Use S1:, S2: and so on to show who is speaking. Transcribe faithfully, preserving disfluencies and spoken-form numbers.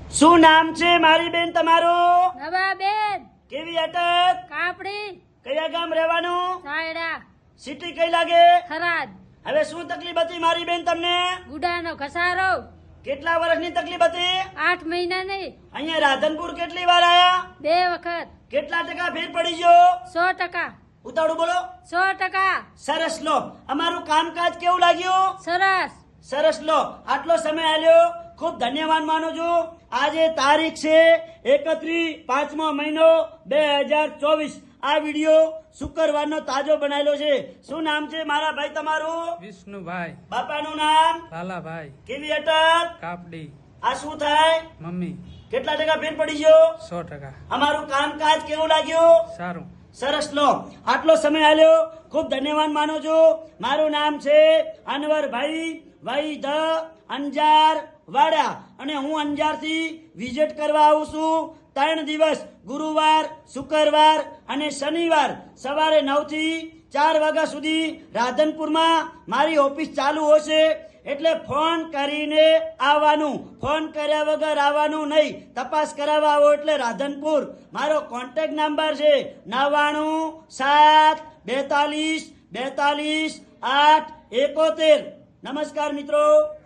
S1: શું નામ છે મારી બેન તમારું?
S2: નવાબેન
S1: કેવી અટક?
S2: કાપડી
S1: કયા ગામ રહેવાનું?
S2: સાયડા
S1: સિટી કઈ લાગે?
S2: થરાદ
S1: હવે શું તકલીફ હતી મારી બેન તમને?
S2: ગુડાનો ઘસારો
S1: કેટલા વર્ષની તકલીફ હતી?
S2: આઠ મહિના નહીં
S1: અહીંયા રાધનપુર કેટલી વાર આયા?
S2: બે વખત
S1: કેટલા ટકા ફેર પડી ગયો?
S2: સો ટકા
S1: ઉતાળું બોલો.
S2: સો ટકા
S1: સરસ લો. અમારું કામકાજ કેવું લાગ્યું?
S2: સરસ
S1: સરસ લો. આટલો સમય આલ્યો ખૂબ ધન્યવાદ માનું છું. આજે તારીખ છે એકત્રીસ પાંચમો મહિનો બે હજાર ચોવીસ. આ વિડીયો શુક્રવારનો તાજો બનાવેલો છે. શું નામ છે મારા ભાઈ તમારું?
S3: વિષ્ણુભાઈ
S1: બાપાનું નામ?
S3: લાલાભાઈ
S1: કેવી અટક?
S3: કાપડી
S1: આ શું થાય?
S3: મમ્મી
S1: કેટલા ટકા ફેર પડી ગયો?
S3: સો ટકા
S1: અમારું કામકાજ કેવું લાગ્યું?
S3: સારું
S1: સરસ લો. આટલો સમય આલ્યો ખૂબ ધન્યવાદ માનું છું. મારું નામ છે અનવરભાઈ વૈદ અંજાર વાડા અને હું અંજારથી વિઝિટ કરવા આવું છું. ત્રણ દિવસ ગુરુવાર શુક્રવાર અને શનિવાર સવારે નવ થી ચાર વાગ્યા સુધી રાધનપુરમાં મારી ઓફિસ ચાલુ હશે. એટલે ફોન કરીને આવવાનું, ફોન કર્યા વગર આવવાનું નહીં. તપાસ કરાવવા આવો એટલે રાધનપુર. મારો કોન્ટેક્ટ નંબર છે નવ્વાણું સાત બેતાલીસ બેતાલીસ આઠ એકોતેર. નમસ્કાર મિત્રો.